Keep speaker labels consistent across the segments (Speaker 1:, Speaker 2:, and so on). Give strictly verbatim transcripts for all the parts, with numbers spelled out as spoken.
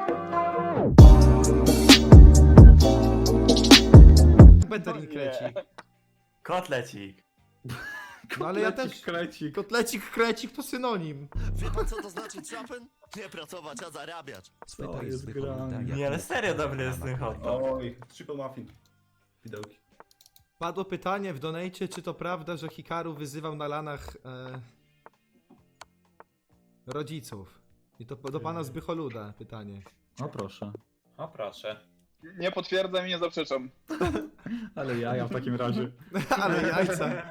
Speaker 1: Beterin krecik.
Speaker 2: Kotlecik.
Speaker 1: No ale ja też...
Speaker 3: Krecik.
Speaker 1: Kotlecik, krecik to synonim.
Speaker 4: Wie pan co to znaczy trapen? Nie pracować, a zarabiać.
Speaker 3: Co jest grane?
Speaker 2: Nie, ale serio dobry jest ten hot dog.
Speaker 5: Oj, triple muffin. Widełki.
Speaker 1: Padło pytanie w donate, czy to prawda, że Hikaru wyzywał na lanach e, rodziców. I to do pana Zbycholuda pytanie.
Speaker 3: No proszę.
Speaker 6: O proszę.
Speaker 7: Nie potwierdzam i nie zaprzeczam.
Speaker 3: Ale ja, ja w takim razie.
Speaker 1: Ale jajca.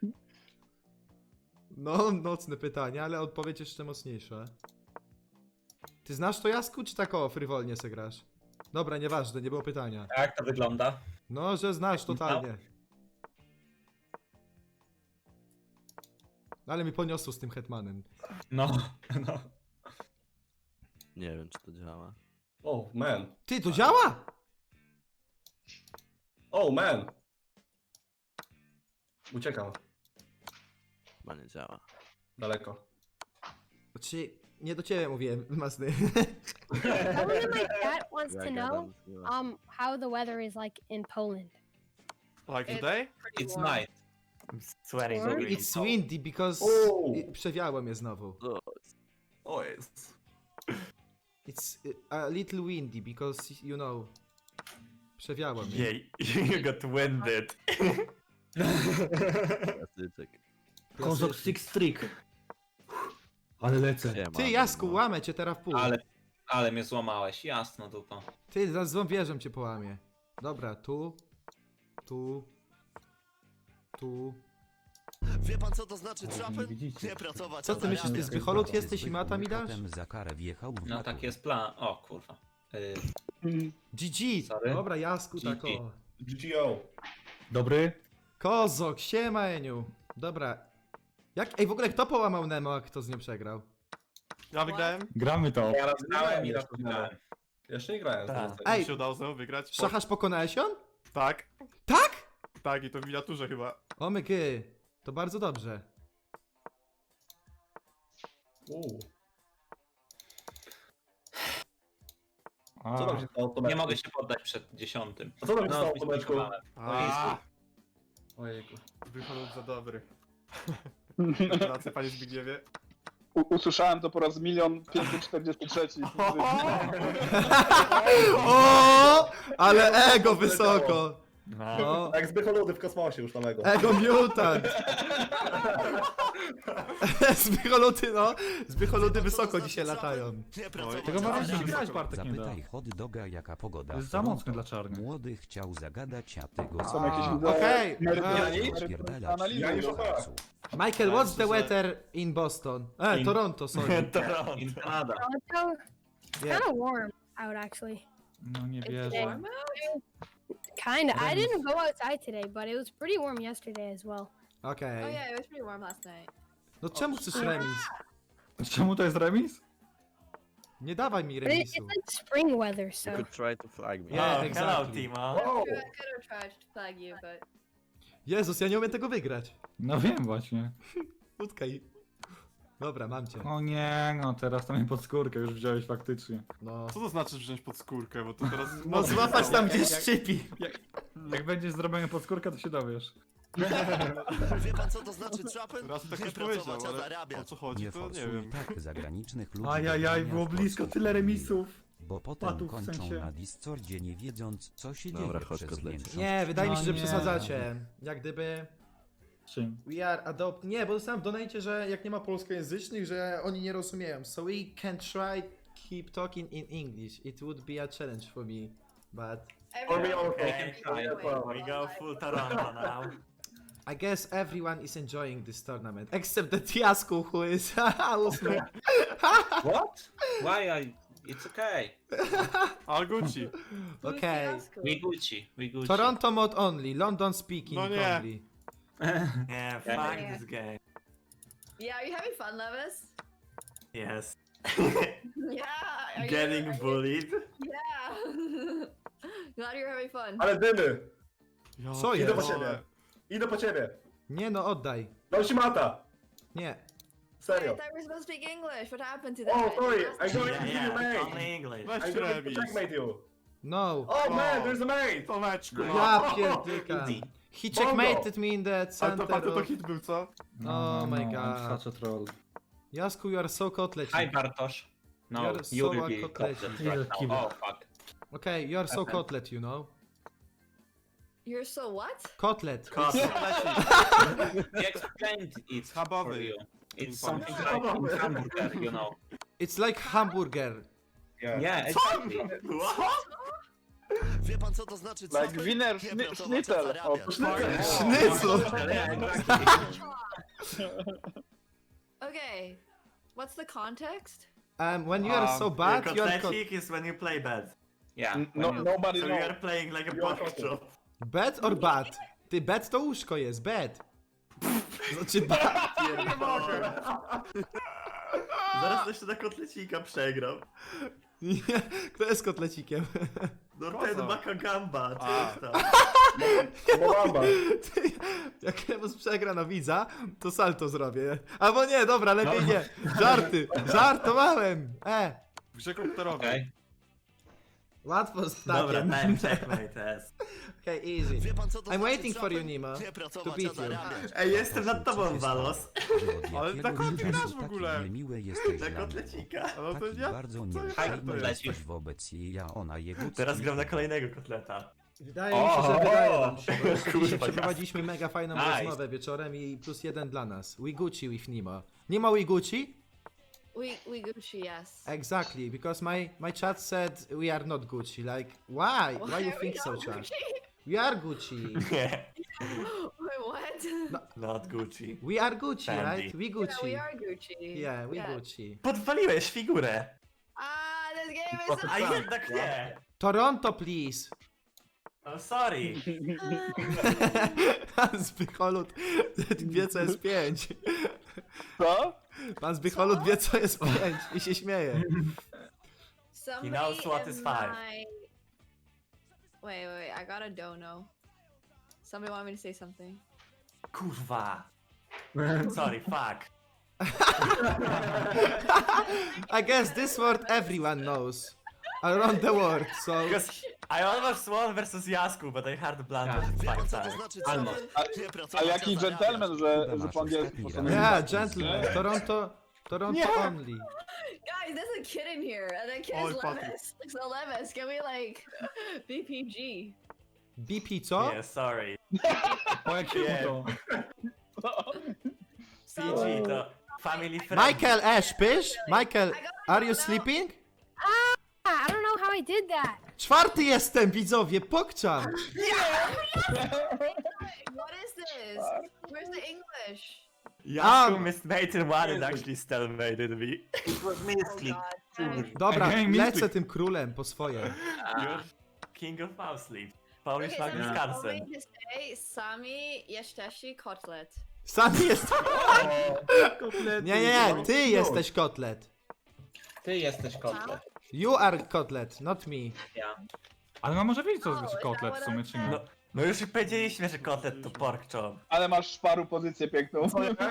Speaker 1: No, nocne pytanie, ale odpowiedź jeszcze mocniejsza. Ty znasz to, Jasku, czy tak o, frywolnie se grasz? Dobra, nieważne, nie było pytania.
Speaker 6: Jak to wygląda?
Speaker 1: No, że znasz totalnie. Ale mi poniosło z tym Hetmanem.
Speaker 6: No, no.
Speaker 4: Nie wiem, czy to działa.
Speaker 5: Oh man.
Speaker 1: Ty, to działa?
Speaker 5: Oh man. Uciekam.
Speaker 4: Chyba nie działa.
Speaker 5: Daleko.
Speaker 1: Znaczy, nie do ciebie mówiłem, Masny.
Speaker 8: Someone in my chat wants to
Speaker 4: Jak
Speaker 8: know
Speaker 4: gadam, chyba.
Speaker 8: um how the weather is like in Poland.
Speaker 2: Like today?
Speaker 6: It's night.
Speaker 2: I'm sweating.
Speaker 8: Warm?
Speaker 1: It's windy because...
Speaker 5: Oh.
Speaker 1: i- Przewiało mnie znowu.
Speaker 5: O jest.
Speaker 1: It's y, a little windy because, you know... Przewiało mnie.
Speaker 2: Yeah, you got winded.
Speaker 4: Klasyczek.
Speaker 3: Kozok Six Trick. Ale lecę.
Speaker 4: Siema,
Speaker 1: Ty, Jasku,
Speaker 4: no.
Speaker 1: łamę cię teraz w pół.
Speaker 6: Ale, ale mnie złamałeś, jasno dupa.
Speaker 1: Ty, za złą wieżą cię połamie. Dobra, tu... Tu... Tu...
Speaker 4: Wie pan co to znaczy
Speaker 3: nie
Speaker 4: trapen?
Speaker 3: widzicie.
Speaker 4: Nie pracować,
Speaker 1: Co
Speaker 4: a
Speaker 1: ty myślisz, ty
Speaker 4: zarabiać.
Speaker 1: Zbycholut jesteś i mata mi dasz?
Speaker 9: Potem za karę wjechał w
Speaker 6: No
Speaker 9: matur.
Speaker 6: tak jest plan. O kurwa. Y,
Speaker 1: G G!
Speaker 6: Sorry.
Speaker 1: Dobra, Jasku,
Speaker 6: G G.
Speaker 1: tak o.
Speaker 5: G G O.
Speaker 3: Dobry?
Speaker 1: Kozok, siema Eniu. Dobra. Jak, ej, w ogóle kto połamał Nemo, a kto z nią przegrał?
Speaker 2: Ja wygrałem?
Speaker 3: Gramy to.
Speaker 6: ja raz grałem i raz
Speaker 5: jeszcze
Speaker 6: wygrałem.
Speaker 5: Jeszcze nie grałem.
Speaker 2: Tak.
Speaker 5: Tak.
Speaker 1: Ej.
Speaker 2: Mi się udało znowu wygrać. Po-
Speaker 1: Szachasz pokonałeś ją?
Speaker 2: Tak.
Speaker 1: Tak?
Speaker 2: Tak, i to w miniaturze chyba.
Speaker 1: O my gy. To bardzo dobrze.
Speaker 5: Uuu.
Speaker 3: A,
Speaker 5: Co tam się stało, Tomeczku?
Speaker 6: Nie mogę się poddać przed dziesiątym.
Speaker 5: A co tam się
Speaker 6: No,
Speaker 5: stało, Tomeczku?
Speaker 6: zlikwidowałem.
Speaker 2: A,
Speaker 5: Ojejku.
Speaker 2: Zbycholut za dobry. Gratulacje, panie Zbigniewie.
Speaker 7: U usłyszałem to po raz milion pięćset czterdziesty trzeci.
Speaker 1: O! Ale ego wysoko.
Speaker 3: no.
Speaker 1: No.
Speaker 5: Jak zbycholudy w kosmosie już samego.
Speaker 1: Ego mutant. Zbycholuty, no. Zbycholudy wysoko dzisiaj latają.
Speaker 4: Nie pracować,
Speaker 3: Tego
Speaker 4: a
Speaker 3: ma
Speaker 4: zarabiać.
Speaker 3: grać Bartek nie da.
Speaker 9: Zapytaj hot doga jaka pogoda.
Speaker 3: To jest
Speaker 9: w
Speaker 3: za
Speaker 9: Toronto.
Speaker 3: mocne dla czarnych.
Speaker 9: Młody chciał zagadać, a ty go
Speaker 7: Są jakieś
Speaker 1: A,
Speaker 7: wideo.
Speaker 1: okej.
Speaker 7: merytoryczne
Speaker 9: spierdalać.
Speaker 7: analizy.
Speaker 5: Ja już
Speaker 9: do
Speaker 5: ochałem.
Speaker 9: lasu.
Speaker 1: Michael, what's the weather in Boston? E,
Speaker 6: In-
Speaker 1: Toronto, sorry.
Speaker 2: Toronto.
Speaker 6: In Canada.
Speaker 8: Toronto, it's
Speaker 1: Yeah.
Speaker 8: kind of warm out actually.
Speaker 3: No nie
Speaker 8: Today.
Speaker 3: wierzę.
Speaker 8: Kind of. I didn't go outside today, but it was pretty warm yesterday as well.
Speaker 1: Okej.
Speaker 10: Oh yeah, it was pretty warm last night.
Speaker 1: No czemu chcesz remis?
Speaker 3: Czemu to jest remis?
Speaker 1: Nie dawaj mi
Speaker 8: But it,
Speaker 1: remisu.
Speaker 8: it's like spring weather, so.
Speaker 4: You could try to flag me.
Speaker 1: Yeah,
Speaker 2: Oh, hello,
Speaker 1: exactly.
Speaker 2: Timo.
Speaker 5: Wow.
Speaker 10: I could have tried to flag you, but
Speaker 1: Jezus, ja nie umiem tego wygrać.
Speaker 3: No wiem właśnie.
Speaker 1: Utkaj. Dobra, mam cię.
Speaker 3: O nie, no teraz to mnie pod skórkę już wziąłeś faktycznie.
Speaker 1: No.
Speaker 2: Co to znaczy wziąć pod skórkę, bo to teraz...
Speaker 1: No złapać tam gdzieś
Speaker 3: Jak-
Speaker 1: szczypi.
Speaker 3: Jak będziesz zrobiony pod skórkę, to się dowiesz.
Speaker 4: Wie pan co to znaczy trapen?
Speaker 2: Raz tak
Speaker 4: Nie
Speaker 2: już powiedział,
Speaker 4: pracować, a
Speaker 2: ale o
Speaker 4: zarabiać.
Speaker 2: co chodzi,
Speaker 9: Nie
Speaker 2: to nie
Speaker 9: forsuj
Speaker 2: wiem.
Speaker 9: tak zagranicznych ludzi.
Speaker 3: Ajajaj,
Speaker 9: do grania
Speaker 3: było
Speaker 9: w
Speaker 3: blisko,
Speaker 9: kosmos.
Speaker 3: tyle remisów.
Speaker 9: Bo potem
Speaker 3: Padów, w
Speaker 9: kończą
Speaker 3: sensie.
Speaker 9: na Discordzie nie wiedząc, co się
Speaker 4: Dobra,
Speaker 9: dzieje
Speaker 4: chodź,
Speaker 9: przez
Speaker 4: kotlecie.
Speaker 9: miesiąc.
Speaker 1: Nie, wydaje mi się,
Speaker 3: No
Speaker 1: że
Speaker 3: nie.
Speaker 1: przesadzacie. Jak gdyby...
Speaker 3: Czym?
Speaker 1: We are adopt... Nie, bo dostałem w donacie, że jak nie ma polskojęzycznych, że oni nie rozumieją. So we can try keep talking in English. It would be a challenge for me. But...
Speaker 5: For me
Speaker 10: everyone-
Speaker 5: also.
Speaker 2: Okay.
Speaker 10: everyone-
Speaker 2: We go full Toronto now.
Speaker 1: I guess everyone is enjoying this tournament. Except that Jasku, who is... ósmy.
Speaker 6: What? Why I... It's okay.
Speaker 2: All Gucci.
Speaker 10: Who's
Speaker 1: Okay.
Speaker 10: Fiasco?
Speaker 6: We Gucci. We Gucci.
Speaker 1: Toronto mod only. London speaking
Speaker 2: No nie.
Speaker 1: only.
Speaker 2: Yeah,
Speaker 6: fuck
Speaker 10: Yeah.
Speaker 2: this game.
Speaker 10: Yeah, are you having fun, Levis?
Speaker 2: Yes.
Speaker 10: Yeah. Are you,
Speaker 2: Getting
Speaker 10: are you-
Speaker 2: bullied?
Speaker 10: Yeah. Glad you're having fun.
Speaker 5: Ale dymy.
Speaker 1: Co
Speaker 5: Idę po
Speaker 1: jest?
Speaker 5: ciebie. Idę po ciebie.
Speaker 1: Nie no, oddaj.
Speaker 5: Dał ci mata.
Speaker 1: Nie.
Speaker 10: I
Speaker 5: Serio.
Speaker 10: thought we were supposed to speak English. What happened to that?
Speaker 5: Oh, sorry, I
Speaker 10: Last
Speaker 5: got
Speaker 10: time?
Speaker 5: it.
Speaker 4: Yeah,
Speaker 5: You
Speaker 4: yeah,
Speaker 5: mate.
Speaker 4: only English.
Speaker 2: Weź
Speaker 5: I got to
Speaker 2: remis.
Speaker 5: checkmate you.
Speaker 1: No.
Speaker 5: Oh man,
Speaker 2: Oh.
Speaker 5: there's a mate.
Speaker 2: Tomeczku.
Speaker 1: Ja pierdykam. He checkmated me in the
Speaker 2: Ale to
Speaker 1: center
Speaker 2: patrz, to
Speaker 1: of...
Speaker 2: hit był, co?
Speaker 1: Oh my
Speaker 3: I'm
Speaker 1: god.
Speaker 3: such a troll.
Speaker 1: Jasku, you are so
Speaker 6: Hi
Speaker 1: kotlecik.
Speaker 6: Bartosz. No,
Speaker 1: You're
Speaker 6: you
Speaker 1: so
Speaker 6: will
Speaker 1: a
Speaker 6: be
Speaker 1: kotlecik.
Speaker 6: kotlet right
Speaker 3: Kill.
Speaker 6: now. Oh fuck.
Speaker 1: Okay, you are so kotlet, you know?
Speaker 10: You're so what?
Speaker 1: Kotlet.
Speaker 6: He explained it for
Speaker 2: Schabowy.
Speaker 6: you. It's
Speaker 2: In
Speaker 6: something
Speaker 5: Polish.
Speaker 6: like in hamburger, you know.
Speaker 1: It's like hamburger.
Speaker 5: Yeah.
Speaker 6: Yeah, exactly.
Speaker 4: Wie pan co to znaczy
Speaker 7: Like
Speaker 4: trapy?
Speaker 7: Wiener
Speaker 4: Nie
Speaker 7: Schni-
Speaker 4: pracować, a
Speaker 7: Schnitzel.
Speaker 4: zarabiać.
Speaker 7: O,
Speaker 1: Schnitzel.
Speaker 6: Yeah, exactly.
Speaker 10: Okay. What's the context?
Speaker 1: Um, when you are so bad, you are kot...
Speaker 4: is when you play bad.
Speaker 6: Yeah.
Speaker 7: No,
Speaker 6: when you-
Speaker 7: nobody
Speaker 4: So you
Speaker 7: knows.
Speaker 4: are playing like a
Speaker 5: You are
Speaker 4: pork
Speaker 5: kotlet.
Speaker 4: chop.
Speaker 1: Bad or bad? Ty, bad to łóżko jest, bad. Znaczy bad.
Speaker 2: Nie mogę.
Speaker 4: Zaraz jeszcze na kotlecika przegram.
Speaker 1: Nie, kto jest kotlecikiem?
Speaker 4: No
Speaker 2: Koza.
Speaker 4: ten Bakagamba,
Speaker 2: A.
Speaker 4: coś tam.
Speaker 5: Bobamba.
Speaker 1: Ty, jak Lemus przegra na widza, to salto zrobię. Albo nie, dobra, lepiej nie. Żarty, żartowałem. E,
Speaker 2: W grze komputerowej.
Speaker 6: Okay.
Speaker 1: łatwo z
Speaker 4: Dobra,
Speaker 1: takiem.
Speaker 4: ten checkmate jest.
Speaker 1: Okay, easy.
Speaker 4: Wie pan co to
Speaker 1: I'm
Speaker 4: znaczy
Speaker 1: waiting for
Speaker 4: trapy?
Speaker 1: you, Nima.
Speaker 4: Nie
Speaker 1: To
Speaker 4: pracować,
Speaker 1: beat
Speaker 4: a
Speaker 1: you.
Speaker 4: zarabiać.
Speaker 9: Ej,
Speaker 4: jestem nad tobą, Walos.
Speaker 2: Ale na kogo ty grasz w ogóle?
Speaker 9: Niemiły jesteś
Speaker 4: Na
Speaker 9: dla mnie.
Speaker 4: kotlecika.
Speaker 2: No to
Speaker 9: Taki
Speaker 2: ja...
Speaker 9: bardzo
Speaker 2: co
Speaker 9: nieuprzejmy
Speaker 2: ja to
Speaker 6: jest?
Speaker 9: jesteś wobec jej, a ona jego...
Speaker 4: Teraz gram na kolejnego kotleta.
Speaker 1: Wydaje mi się, że wydaje nam się, bo jeszcze
Speaker 4: Kurwa,
Speaker 1: dzisiaj
Speaker 4: jasne.
Speaker 1: przeprowadziliśmy mega fajną
Speaker 6: Nice.
Speaker 1: rozmowę wieczorem i plus jeden dla nas. We Gucci with Nima. Nima we Gucci?
Speaker 10: We we Gucci, yes.
Speaker 1: Exactly, because my, my chat said we are not Gucci. Like, why? Why you
Speaker 10: are
Speaker 1: think
Speaker 10: we
Speaker 1: so,
Speaker 10: not
Speaker 1: chat?
Speaker 10: Gucci?
Speaker 1: We are Gucci.
Speaker 4: Nie,
Speaker 10: Wait, what?
Speaker 4: not Gucci.
Speaker 1: We are Gucci,
Speaker 4: Sandy.
Speaker 1: right? We
Speaker 10: Yeah,
Speaker 1: Gucci.
Speaker 10: we are Gucci.
Speaker 1: Yeah, we Gucci.
Speaker 4: Podwaliłeś figurę.
Speaker 10: Ah, this game is so
Speaker 4: A jednak nie.
Speaker 1: Toronto, please.
Speaker 4: I'm sorry.
Speaker 1: Pan Zbycholut wie co jest pięć.
Speaker 7: Co?
Speaker 1: Pan Zbycholut wie co jest pięć i się śmieje.
Speaker 10: Somebody
Speaker 4: knows what
Speaker 10: in
Speaker 4: is five.
Speaker 10: my... Wait, wait, wait, I got a dono. Somebody want me to say something.
Speaker 4: Kurwa. Sorry, fuck.
Speaker 1: I guess this word everyone knows. Around the world, so...
Speaker 4: Because I almost won versus Jasku, but I had blundered five times.
Speaker 6: Almost.
Speaker 7: Ale jaki gentleman, że, że po angielsku
Speaker 9: Yeah,
Speaker 7: postanowił.
Speaker 1: Yeah, gentlemen. Toronto... Toronto only.
Speaker 10: Guys, there's a kid in here, and that kid
Speaker 2: Oh,
Speaker 10: is
Speaker 2: Patrick.
Speaker 10: Levis. So Levis, can we like B P G?
Speaker 1: B P co?
Speaker 4: Yeah, sorry.
Speaker 3: O jakiemu to?
Speaker 4: P G to family friend.
Speaker 1: Michael Ash, pysz? Michael,
Speaker 10: I got a
Speaker 1: are you
Speaker 10: dono.
Speaker 1: sleeping?
Speaker 8: Ah, I don't know how I did that.
Speaker 1: Czwarty jestem, widzowie, pokczam!
Speaker 10: What is this? Where's the English?
Speaker 4: Jasku
Speaker 1: Um.
Speaker 4: mismade in one and actually still made it me.
Speaker 6: It was
Speaker 10: Oh
Speaker 6: misclick.
Speaker 10: God.
Speaker 1: Dobra,
Speaker 3: Again,
Speaker 1: lecę
Speaker 3: Mystic.
Speaker 1: tym królem po swoje.
Speaker 4: You're king of mouse sleep. Polish
Speaker 10: Okay,
Speaker 4: Magnus
Speaker 10: so
Speaker 4: Carlsen.
Speaker 10: I'm going to say Sami Yeshteshi Kotlet.
Speaker 1: Sam jest... Nie, nie, nie, ty jesteś kotlet.
Speaker 6: Ty jesteś kotlet.
Speaker 1: You are kotlet, not me.
Speaker 6: Ja.
Speaker 3: Ale no może wiedzieć co
Speaker 10: Oh,
Speaker 3: znaczy
Speaker 10: is that
Speaker 3: kotlet w
Speaker 10: what
Speaker 3: sumie,
Speaker 10: I
Speaker 3: czy nie?
Speaker 4: No, no już powiedzieliśmy, że kotlet to pork chop.
Speaker 7: Ale masz szparu pozycję piękną.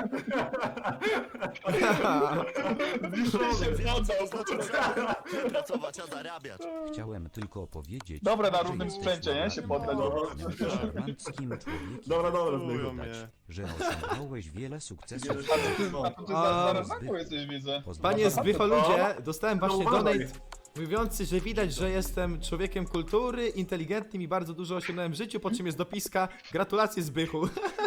Speaker 4: Wie pan, co to znaczy trapy? Nie pracować, a zarabiać.
Speaker 9: Chciałem tylko powiedzieć...
Speaker 7: Dobra, na
Speaker 9: że
Speaker 7: równym
Speaker 9: jesteś
Speaker 7: sprzęcie, nie? Się poddać.
Speaker 9: normalnym, szarmanckim człowiekiem.
Speaker 5: Dobra, dobra,
Speaker 2: Chują
Speaker 5: zbychu.
Speaker 2: mnie.
Speaker 9: Że osiągnąłeś wiele sukcesów.
Speaker 7: A ty, a to ty
Speaker 1: A,
Speaker 7: za, zaraz znaku jesteś, widzę.
Speaker 1: Panie Zbycholudzie,
Speaker 7: No,
Speaker 1: dostałem właśnie donate mówiący, że widać, że jestem człowiekiem kultury, inteligentnym i bardzo dużo osiągnąłem w życiu, po czym jest dopiska gratulacje Zbychu.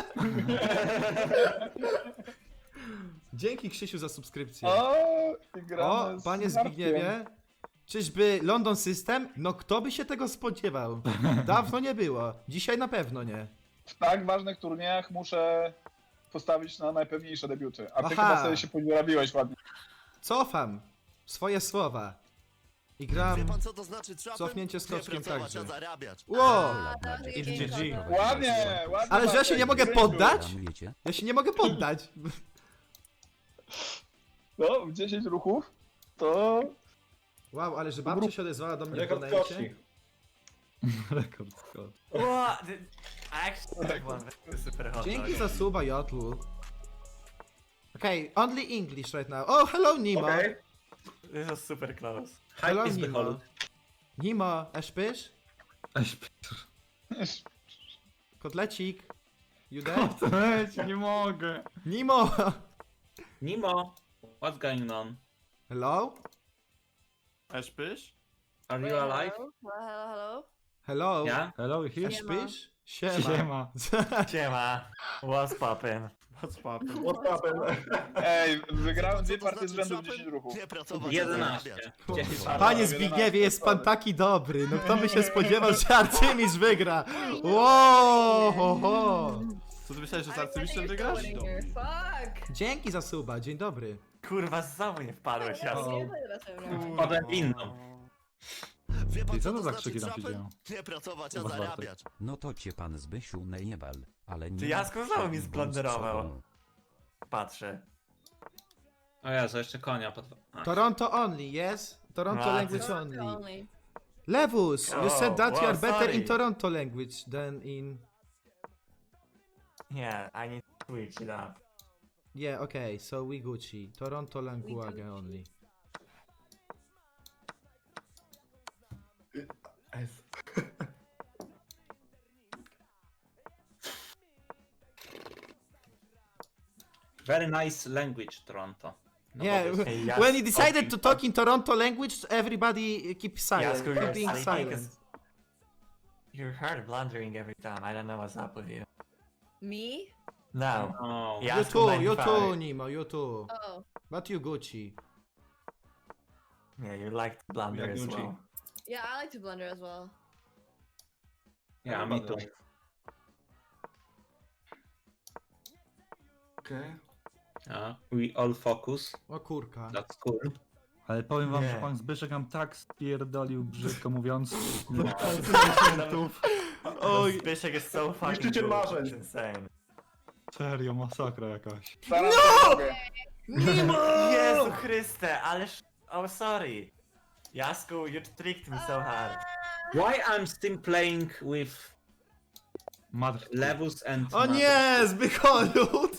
Speaker 1: Dzięki Krzysiu za subskrypcję.
Speaker 7: O, i gramy
Speaker 1: O,
Speaker 7: z
Speaker 1: panie
Speaker 7: Markiem.
Speaker 1: Zbigniewie, czyżby London System? No kto by się tego spodziewał? Dawno nie było, dzisiaj na pewno nie.
Speaker 7: W tak ważnych turniejach muszę postawić na najpewniejsze debiuty. A ty
Speaker 1: Aha.
Speaker 7: chyba sobie się podziurabiłeś ładnie.
Speaker 1: Cofam swoje słowa i
Speaker 4: Wie
Speaker 1: gram...
Speaker 4: pan, co to znaczy trapy?
Speaker 1: Cofnięcie
Speaker 4: Nie
Speaker 1: skoczkiem
Speaker 4: pracować,
Speaker 1: także.
Speaker 4: a zarabiać.
Speaker 1: Wow!
Speaker 10: Ah, that was a
Speaker 9: I
Speaker 10: good
Speaker 1: G G.
Speaker 10: game.
Speaker 7: Ładnie, ładnie.
Speaker 1: Ale że ja się nie mogę
Speaker 7: Maciek,
Speaker 1: poddać?
Speaker 9: Planujecie?
Speaker 1: Ja się nie mogę poddać.
Speaker 7: No, w dziesięć ruchów to...
Speaker 1: Wow, ale że babcia się odezwała do mnie w
Speaker 5: Rekord
Speaker 1: donajcie.
Speaker 5: koczni.
Speaker 3: Rekord skok.
Speaker 4: What? I actually have one super hot
Speaker 1: Dzięki
Speaker 4: dog.
Speaker 1: za suba, Jotlu. Okay, only English right now. Oh, hello Nimo.
Speaker 5: Okej.
Speaker 4: This was super close.
Speaker 1: Hello
Speaker 6: Hype is
Speaker 1: Nimo.
Speaker 6: behold.
Speaker 1: Nimo, eszpysz?
Speaker 3: Eś,
Speaker 1: Kotlecik. You there?
Speaker 3: leć, nie mogę.
Speaker 1: Nimo!
Speaker 6: Nemo, what's going on?
Speaker 1: Hello?
Speaker 2: Eszpysz?
Speaker 6: Are
Speaker 10: Wait,
Speaker 6: you alive?
Speaker 10: hello? Hello, hello, hello.
Speaker 1: Hello?
Speaker 6: Yeah?
Speaker 3: Hello, here?
Speaker 1: Eszpysz? Siema.
Speaker 3: Siema.
Speaker 4: Siema. What's poppin'?
Speaker 2: What's poppin'?
Speaker 5: What's happened?
Speaker 7: Ej, wygrałem
Speaker 4: Co
Speaker 7: dwie
Speaker 4: to
Speaker 7: partie z
Speaker 4: znaczy
Speaker 7: rzędu w
Speaker 4: trapem?
Speaker 7: dziesięć ruchów.
Speaker 4: Nie pracować, a
Speaker 6: jedenaście.
Speaker 4: zarabiać.
Speaker 6: dziesięć.
Speaker 1: Panie Zbigniewie, jest pan taki dobry. No kto by się spodziewał, że Arcymistrz wygra? Wow, ho, ho.
Speaker 2: Co ty myślałeś, że z
Speaker 10: I didn't
Speaker 2: Arcymistrzem
Speaker 10: think
Speaker 2: wygrasz?
Speaker 10: you're still winning here. Fuck.
Speaker 1: Dzięki za suba, dzień dobry.
Speaker 4: Kurwa, znowu nie wpadłeś,
Speaker 10: Yeah,
Speaker 4: jasno.
Speaker 10: seriously, that's what I'm doing.
Speaker 6: Potem inną.
Speaker 4: Wie pan,
Speaker 3: Ty,
Speaker 4: co
Speaker 3: co
Speaker 4: to
Speaker 3: to za
Speaker 4: znaczy
Speaker 3: krzyki tam się
Speaker 4: trapem?
Speaker 3: dzieją?
Speaker 4: Nie pracować, a
Speaker 3: Chyba Bartek.
Speaker 4: zarabiać.
Speaker 9: No to cię pan Zbysiu najebal, ale nie...
Speaker 4: Ty, Jasko znowu mi
Speaker 9: bądź
Speaker 4: zblanderował.
Speaker 9: sobą.
Speaker 4: Patrzę.
Speaker 6: O Jezu, jeszcze konia pod... A.
Speaker 1: Toronto only, yes? Toronto
Speaker 4: A,
Speaker 1: language
Speaker 4: ty-
Speaker 1: only.
Speaker 10: Only.
Speaker 1: Lewus, you
Speaker 4: Oh,
Speaker 1: said that you
Speaker 4: wow,
Speaker 1: are better in
Speaker 4: sorry.
Speaker 1: Toronto language than in...
Speaker 4: Yeah, I need to switch it up.
Speaker 1: Yeah, okay, so we Gucci. Toronto language only.
Speaker 6: Very nice language, Toronto.
Speaker 1: Yeah,
Speaker 4: Hey, Jas-
Speaker 1: when he decided to talk in Toronto language, everybody keep silent,
Speaker 4: Jasko,
Speaker 1: keep
Speaker 4: you're
Speaker 1: being
Speaker 4: sleeping
Speaker 1: silent.
Speaker 4: 'cause you're hard blundering every time. I don't know what's up with you.
Speaker 10: Me?
Speaker 4: No.
Speaker 6: Oh.
Speaker 4: Yeah.
Speaker 1: You
Speaker 4: Jasko
Speaker 1: too, you
Speaker 4: ninety-five.
Speaker 1: too, Nemo, you too.
Speaker 10: Oh.
Speaker 1: But you Gucci.
Speaker 4: Yeah, you like to blunder
Speaker 3: Jak
Speaker 4: as
Speaker 3: Gucci.
Speaker 4: well.
Speaker 10: Yeah, I like to blunder as well.
Speaker 6: Yeah, me too.
Speaker 3: Okej.
Speaker 6: Yeah. We all focus.
Speaker 1: O kurka.
Speaker 6: That's cool.
Speaker 3: Ale powiem wam,
Speaker 4: Nie.
Speaker 3: że pan Zbyszek nam tak spierdolił, brzydko mówiąc.
Speaker 1: Oj.
Speaker 4: Zbyszek is so fucking
Speaker 5: Niszczyciel
Speaker 4: good.
Speaker 5: marzeń.
Speaker 4: It's insane.
Speaker 3: Serio, masakra jakaś.
Speaker 7: Staram się mogę.
Speaker 4: Jezu Chryste, ależ... Oh, sorry. Jasku, you tricked me so hard.
Speaker 6: Why I'm still playing with
Speaker 3: Matr...
Speaker 6: Lewus and...
Speaker 1: O nie, Zbycholut!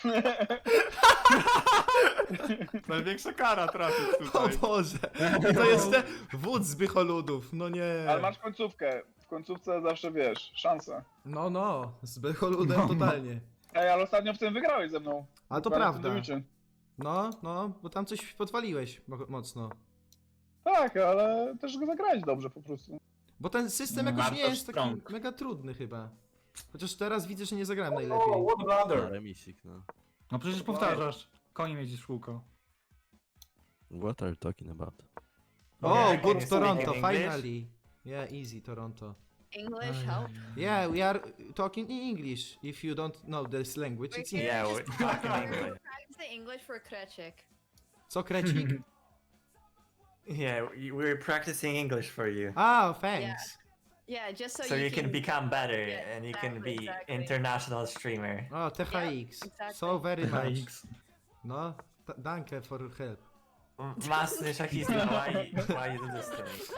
Speaker 2: Największa kara trafić
Speaker 1: O
Speaker 2: tutaj.
Speaker 1: Boże. I to jeszcze wódz Zbycholudów, no nie.
Speaker 7: Ale masz końcówkę. W końcówce zawsze wiesz, szansa.
Speaker 1: No, no, z Zbycholudem
Speaker 3: No, no.
Speaker 1: totalnie.
Speaker 7: Ej, ale ostatnio w tym wygrałeś ze mną.
Speaker 1: Ale to
Speaker 7: Dokładnie w
Speaker 1: prawda.
Speaker 7: tym debiucie.
Speaker 1: No, no, bo tam coś podwaliłeś mo- mocno.
Speaker 7: Tak, ale też go zagrałeś dobrze po prostu.
Speaker 1: Bo ten system
Speaker 3: No.
Speaker 1: jakoś nie
Speaker 6: Bardzo
Speaker 1: jest taki
Speaker 6: strong.
Speaker 1: mega trudny chyba. Chociaż teraz widzę, że nie zagrałem najlepiej.
Speaker 5: Oh, what a blunder.
Speaker 4: Remisik, no.
Speaker 3: No przecież powtarzasz. Konie jeździsz w kółko.
Speaker 4: What are you talking about?
Speaker 1: Oh,
Speaker 4: Okay, can you
Speaker 1: good
Speaker 4: speak
Speaker 1: Toronto,
Speaker 4: in English?
Speaker 1: finally. Yeah, easy Toronto.
Speaker 10: English help.
Speaker 1: Yeah, we are talking in English. If you don't know this language, it's
Speaker 10: Wait,
Speaker 1: English.
Speaker 4: Yeah,
Speaker 10: Just-
Speaker 4: we're talking English.
Speaker 10: Practice the English for Krecik.
Speaker 1: Co, krecik?
Speaker 4: Yeah, we- we're practicing English for you.
Speaker 1: Ah, thanks.
Speaker 10: Yeah, just so,
Speaker 4: So you can become better
Speaker 10: Yeah,
Speaker 4: and you can
Speaker 10: exactly,
Speaker 4: be
Speaker 10: exactly.
Speaker 4: international streamer.
Speaker 1: Oh, T H X.
Speaker 10: exactly.
Speaker 1: So very much.
Speaker 3: X.
Speaker 1: No, t- danke for help.
Speaker 4: Master Shakista, why, why you do this to me?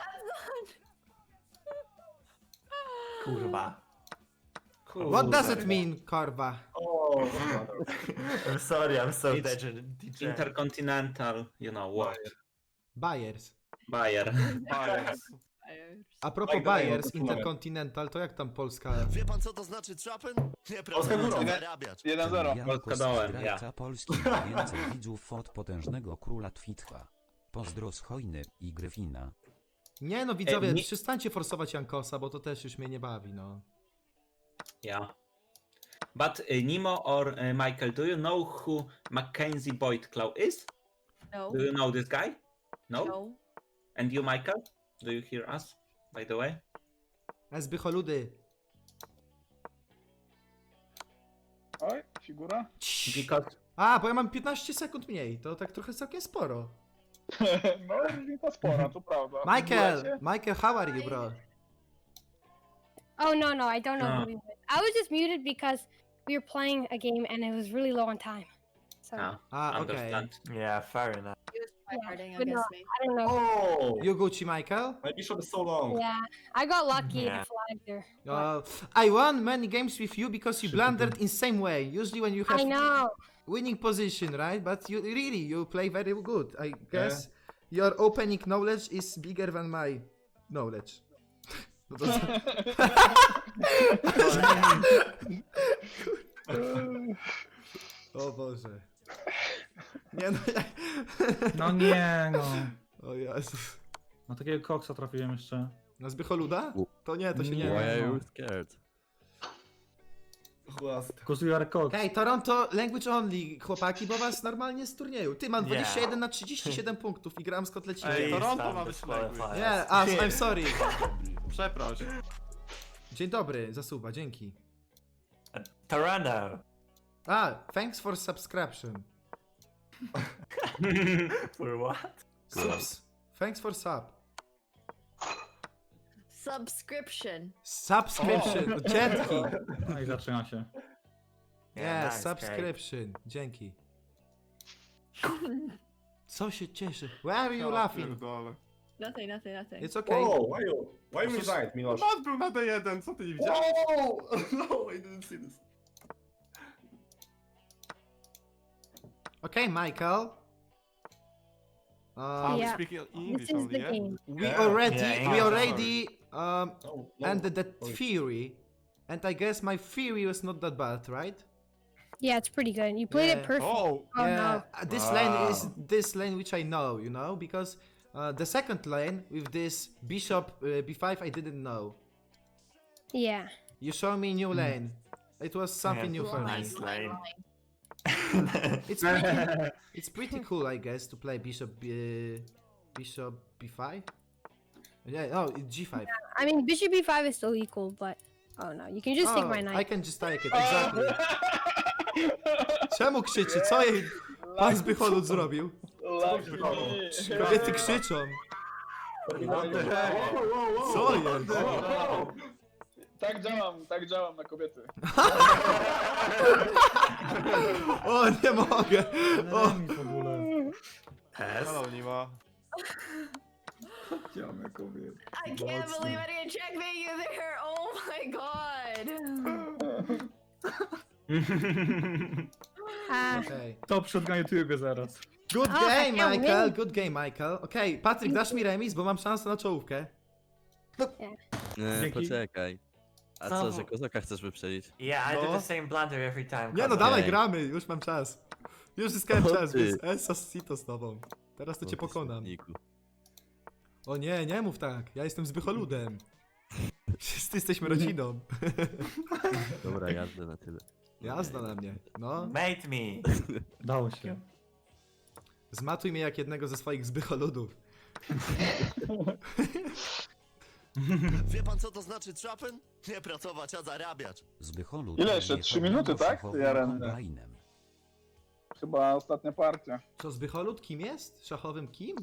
Speaker 4: Kurwa.
Speaker 6: Cool.
Speaker 1: What does it mean, Korva?
Speaker 5: Oh, what a blunder.
Speaker 4: I'm sorry, I'm so
Speaker 6: It's
Speaker 4: degenerate.
Speaker 6: Intercontinental, you know what?
Speaker 1: Bayers.
Speaker 6: Bayer.
Speaker 2: Bias.
Speaker 1: A propos
Speaker 5: Tak, daję,
Speaker 1: Bayers,
Speaker 5: to
Speaker 1: Intercontinental, to jak tam Polska?
Speaker 4: Wie pan co to znaczy trapen? Nie
Speaker 5: Polska
Speaker 4: pracować, a
Speaker 5: górą.
Speaker 4: zarabiać.
Speaker 7: jeden zero.
Speaker 6: Polska dołem,
Speaker 9: zdrajca
Speaker 6: ja.
Speaker 9: Polski ma więcej widzów od potężnego króla Twitcha. Pozdro z Hojny i Gryfina.
Speaker 1: Nie no, widzowie,
Speaker 6: Ej, nie-
Speaker 1: przestańcie forsować Jankosa, bo to też już mnie nie bawi, no.
Speaker 6: Yeah. But uh, Nemo or uh, Michael, do you know who Mackenzie Boyd Claw is?
Speaker 10: No.
Speaker 6: Do you know this guy? No?
Speaker 10: No.
Speaker 6: And you, Michael? Do you hear us, by the way?
Speaker 1: Zbycholudy.
Speaker 7: Oj, figura.
Speaker 6: Because
Speaker 1: A, bo ja mam piętnaście sekund mniej, to tak trochę całkiem sporo.
Speaker 7: No, różnica spora, to prawda.
Speaker 1: Michael,
Speaker 7: Wiecie?
Speaker 1: Michael, how are you, bro?
Speaker 8: Oh no, no, I don't know
Speaker 6: Ah.
Speaker 8: who he was. I was just muted because we were playing a game and it was really low on time. So
Speaker 6: ah,
Speaker 1: A, okej.
Speaker 6: understand.
Speaker 4: Yeah, fair enough.
Speaker 10: He was tryharding
Speaker 8: but no,
Speaker 10: against me.
Speaker 8: I don't know.
Speaker 5: Oh,
Speaker 1: You Gucci, Michael?
Speaker 5: my bishop is so long.
Speaker 8: Yeah, I got lucky
Speaker 4: Yeah.
Speaker 8: and flagged there.
Speaker 1: Uh, I won many games with you because you blundered in same way. Usually when you have...
Speaker 8: I know.
Speaker 1: winning position, right? But you really you play very good. I guess your opening knowledge is bigger than my knowledge. No to O Boże. Nie no, ja...
Speaker 3: No nie no.
Speaker 1: O Jezus.
Speaker 3: Na takiego koksa trafiłem jeszcze.
Speaker 1: Na Zbycholuda? To nie, to się nie
Speaker 3: Nie.
Speaker 1: da.
Speaker 3: Why are you
Speaker 2: scared?
Speaker 5: Chłast.
Speaker 3: Because you are cock.
Speaker 1: Hej, Toronto language only, chłopaki, bo was normalnie z turnieju. Ty, mam
Speaker 4: Nie.
Speaker 1: dwadzieścia jeden na trzydzieści siedem punktów i gram z kotlecinem.
Speaker 2: Ej,
Speaker 1: Nie,
Speaker 2: Toronto ma być
Speaker 4: Disqualified.
Speaker 1: yeah, ah, I'm sorry.
Speaker 2: Przeproś.
Speaker 1: Dzień dobry, zasuba, dzięki.
Speaker 4: Toronto.
Speaker 1: Ah, thanks for subscription.
Speaker 4: For what?
Speaker 1: Subs. Thanks for sub.
Speaker 10: Subscription.
Speaker 1: Subscription, dzięki.
Speaker 3: No i zaczyna się.
Speaker 1: Yeah,
Speaker 4: nice,
Speaker 1: subscription, dzięki. Co się cieszy? Why are you
Speaker 2: Ja
Speaker 1: laughing?
Speaker 2: pierdolę.
Speaker 10: Nothing, nothing, nothing.
Speaker 1: It's okay.
Speaker 5: Whoa, why you, why you resigned, Milosz?
Speaker 2: Mat był na D jeden, co ty nie widziałeś?
Speaker 5: Oh, no, I didn't see this.
Speaker 1: Okay, Michael.
Speaker 2: Ah,
Speaker 1: Um,
Speaker 2: we
Speaker 8: Yeah.
Speaker 2: speak
Speaker 8: This
Speaker 2: English
Speaker 8: is the
Speaker 2: only, yeah?
Speaker 8: game.
Speaker 1: we
Speaker 5: Yeah.
Speaker 1: already,
Speaker 4: Yeah,
Speaker 1: we
Speaker 4: English,
Speaker 1: already um,
Speaker 5: No, no.
Speaker 1: ended that
Speaker 5: Sorry.
Speaker 1: theory, and I guess my theory was not that bad, right?
Speaker 8: Yeah, it's pretty good. You played
Speaker 1: Yeah.
Speaker 8: it perfect.
Speaker 2: Oh,
Speaker 8: Oh
Speaker 1: yeah,
Speaker 8: no.
Speaker 1: uh, this
Speaker 4: Wow.
Speaker 1: lane is this lane which I know, you know, because uh, the second lane with this bishop uh, b five I didn't know.
Speaker 8: Yeah.
Speaker 1: You show me new lane. It was something
Speaker 4: Yeah.
Speaker 1: new for me.
Speaker 4: Nice lane.
Speaker 1: It's pretty, it's pretty cool, I guess, to play bishop b, bishop b five. Yeah, oh, g five.
Speaker 8: I mean, bishop b five is still equal, but oh no, you can just take my
Speaker 1: I
Speaker 8: knight.
Speaker 1: can just take it, exactly. Czemu krzyczy? Co jej pan Zbycholut zrobił?
Speaker 7: Lucky.
Speaker 1: Kobiety krzyczą. Co jest?
Speaker 7: Tak działam, tak działam na kobiety.
Speaker 1: O, nie mogę. O,
Speaker 3: Remis w ogóle.
Speaker 4: Test.
Speaker 2: hello, Nima.
Speaker 3: Chciałem kobiet.
Speaker 10: I can't believe I didn't checkmate you there. Oh my god.
Speaker 8: Ah,
Speaker 1: okej.
Speaker 3: To przed na YouTubie zaraz.
Speaker 1: Good
Speaker 8: O,
Speaker 1: game,
Speaker 8: tak, ja
Speaker 1: Michael,
Speaker 8: wiem.
Speaker 1: good game, Michael. Okej, Patryk, dasz mi remis, bo mam szansę na czołówkę.
Speaker 11: Nie,
Speaker 3: Dzięki.
Speaker 11: poczekaj. A
Speaker 4: Znowu.
Speaker 11: co, że kozaka chcesz wyprzedzić?
Speaker 4: Yeah, I do
Speaker 1: No.
Speaker 4: the same blunder every time.
Speaker 1: Nie no,
Speaker 4: Kozo.
Speaker 1: dawaj,
Speaker 11: Okej.
Speaker 1: gramy, już mam czas. Już zyskałem
Speaker 11: O,
Speaker 1: czas,
Speaker 11: ty.
Speaker 1: więc Esasito z tobą. Teraz to
Speaker 11: O,
Speaker 1: cię
Speaker 11: ty
Speaker 1: pokonam.
Speaker 11: smutniku.
Speaker 1: O nie, nie mów tak, ja jestem Zbycholudem. Wszyscy jesteśmy rodziną.
Speaker 11: Dobra, jazda na tyle.
Speaker 1: Jazda na mnie, no.
Speaker 4: Mate me.
Speaker 3: Dało się.
Speaker 1: Zmatuj mnie jak jednego ze swoich Zbycholudów.
Speaker 11: Wie pan co to znaczy trapen? Nie pracować, a zarabiać.
Speaker 9: Zbycholu
Speaker 7: Ile jeszcze? Trzy minuty, tak? Jaren.
Speaker 9: Kombajnem.
Speaker 7: Chyba ostatnia partia.
Speaker 1: Co, Zbycholud kim jest? Szachowym kim?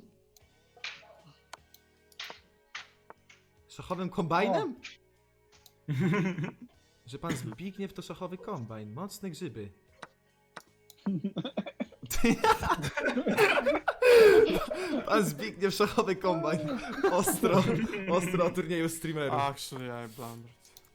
Speaker 1: Szachowym kombajnem? Że pan Zbigniew to szachowy kombajn. Mocne grzyby. Pan Zbigniew szachowy kombajn. Ostro, ostro o turnieju streamerów.
Speaker 2: Actually, I blundered.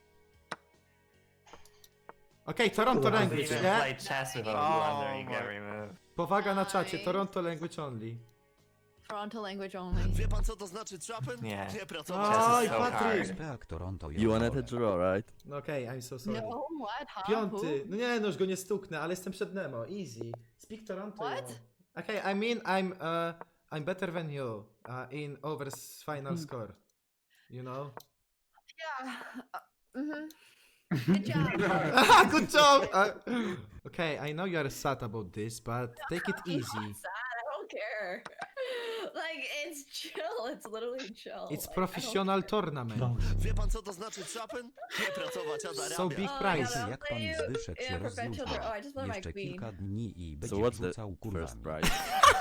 Speaker 1: Okej, Toronto
Speaker 4: If you
Speaker 1: language,
Speaker 4: even
Speaker 1: nie?
Speaker 4: play chess without
Speaker 2: Oh
Speaker 4: blunder, you get
Speaker 2: my-
Speaker 4: removed.
Speaker 1: Powaga na czacie, Toronto language only.
Speaker 10: Toronto language only.
Speaker 11: Wie pan co to znaczy trapen?
Speaker 4: Nie.
Speaker 11: Nie pracować.
Speaker 4: Chess
Speaker 1: Oj,
Speaker 4: is so
Speaker 1: Patryk!
Speaker 4: hard.
Speaker 9: Speak Toronto
Speaker 11: You wanted a
Speaker 9: Jodole.
Speaker 11: draw, right?
Speaker 1: No okej, I'm so sorry.
Speaker 10: No, what? Huh?
Speaker 1: Piąty. No nie, no już go nie stuknę, ale jestem przed Nemo. Easy. Speak Toronto.
Speaker 10: What?
Speaker 1: yo. Okay, I mean I'm uh I'm better than you uh, in overs final score. You know?
Speaker 10: Yeah. Uh, mm-hmm. Good job.
Speaker 1: Ah, good job! Uh, okay, I know you are sad about this, but take it
Speaker 10: I'm
Speaker 1: easy.
Speaker 10: not sad. I don't care. Like, it's chill. It's literally chill.
Speaker 1: It's
Speaker 10: Like, I don't
Speaker 1: professional
Speaker 10: care.
Speaker 1: tournament.
Speaker 11: Wie pan co to znaczy trapen? Nie pracować, a
Speaker 1: So
Speaker 11: zarabiać.
Speaker 1: big
Speaker 10: Oh,
Speaker 1: prize.
Speaker 10: yeah,
Speaker 9: Jak pan
Speaker 10: play
Speaker 9: Zbyszek
Speaker 10: you-
Speaker 9: się
Speaker 10: yeah, professional-
Speaker 9: rozluźni.
Speaker 10: oh, I just want my
Speaker 9: Jeszcze
Speaker 10: queen.
Speaker 9: kilka dni i
Speaker 11: So
Speaker 9: będzie
Speaker 11: what's the
Speaker 9: wrzucał
Speaker 11: first
Speaker 9: kurwami.
Speaker 11: prize?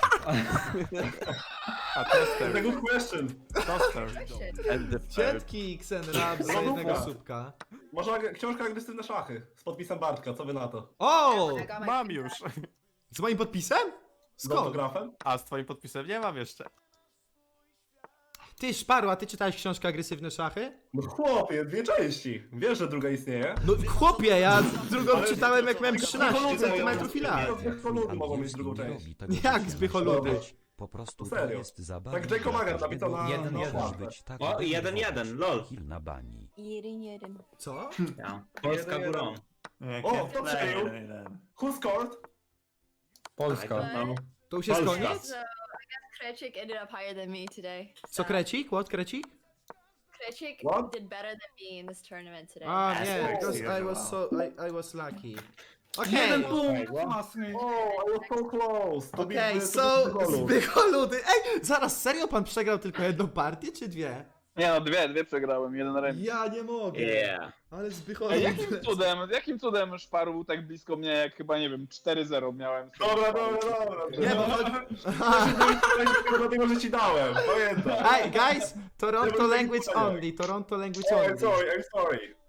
Speaker 2: A tester.
Speaker 5: Good question.
Speaker 2: Toaster.
Speaker 11: And the third.
Speaker 1: Dzięki Xenrab za jednego słupka.
Speaker 5: Może książka agresywne szachy z podpisem Bartka, co wy na to?
Speaker 1: O!
Speaker 10: I got my
Speaker 2: Mam
Speaker 10: queen
Speaker 2: już.
Speaker 10: back.
Speaker 1: Z moim podpisem?
Speaker 5: Z
Speaker 1: Skąd?
Speaker 5: autografem?
Speaker 2: A z twoim podpisem nie mam jeszcze.
Speaker 1: Ty, Szparu, a ty czytałeś książkę Agresywne Szachy?
Speaker 5: No chłopie, dwie części. Wiesz, że druga istnieje?
Speaker 1: No chłopie, ja drugą
Speaker 5: Ale-
Speaker 1: czytałem jak miałem trzynaście
Speaker 5: Zbycholudy
Speaker 1: centymetrów i lat.
Speaker 5: mają- Zbycholudy mogą mieć drugą część.
Speaker 1: Jak zbycholudy?
Speaker 9: Po prostu
Speaker 5: Serio.
Speaker 9: to jest zabawa.
Speaker 5: Tak Jacob Magan napisał na-
Speaker 1: Jeden,
Speaker 5: na
Speaker 1: jeden.
Speaker 5: okładce.
Speaker 9: być tak
Speaker 6: O, jeden, jeden, lol.
Speaker 9: Kill na bani.
Speaker 10: Jeden, jeden.
Speaker 1: Co?
Speaker 6: Ja. Polska
Speaker 5: Jeden,
Speaker 6: górą.
Speaker 5: O, kto przejął? Who scored?
Speaker 3: Polska.
Speaker 6: No.
Speaker 1: To już jest
Speaker 6: Polska.
Speaker 1: koniec?
Speaker 10: So, I guess Krecik ended up higher than me today.
Speaker 1: Co,
Speaker 10: So,
Speaker 1: Krecik? What, Krecik?
Speaker 10: Krecik
Speaker 5: What?
Speaker 10: did better than me in this tournament today.
Speaker 1: A
Speaker 4: Yes,
Speaker 1: nie,
Speaker 4: yes,
Speaker 1: because
Speaker 4: yes,
Speaker 1: I was
Speaker 4: wow.
Speaker 1: so, I, I was lucky.
Speaker 3: Jeden
Speaker 1: Okej,
Speaker 3: punkt! Masny.
Speaker 5: Oh, I was so close. To
Speaker 1: okej,
Speaker 5: be- to
Speaker 1: so
Speaker 5: be Zbycholu.
Speaker 1: zbycholudy. Ej, zaraz, serio pan przegrał tylko jedną partię, czy dwie?
Speaker 7: Nie no, dwie, dwie przegrałem, jeden remis.
Speaker 1: Ja nie mogę.
Speaker 6: Yeah.
Speaker 1: Ale
Speaker 7: Ej,
Speaker 1: zbycholudy.
Speaker 7: jakim cudem, jakim cudem Szparu był tak blisko mnie, jak chyba, nie wiem, cztery zero miałem.
Speaker 5: Dobra, dobra, dobra.
Speaker 1: Nie, bo chodzi...
Speaker 5: Tylko dlatego, że ci dałem. Pamiętam.
Speaker 1: Hey, guys, Toronto
Speaker 5: Nie, bo-
Speaker 1: language only, Toronto language
Speaker 5: Oh, I'm
Speaker 1: only.
Speaker 5: sorry, I'm sorry.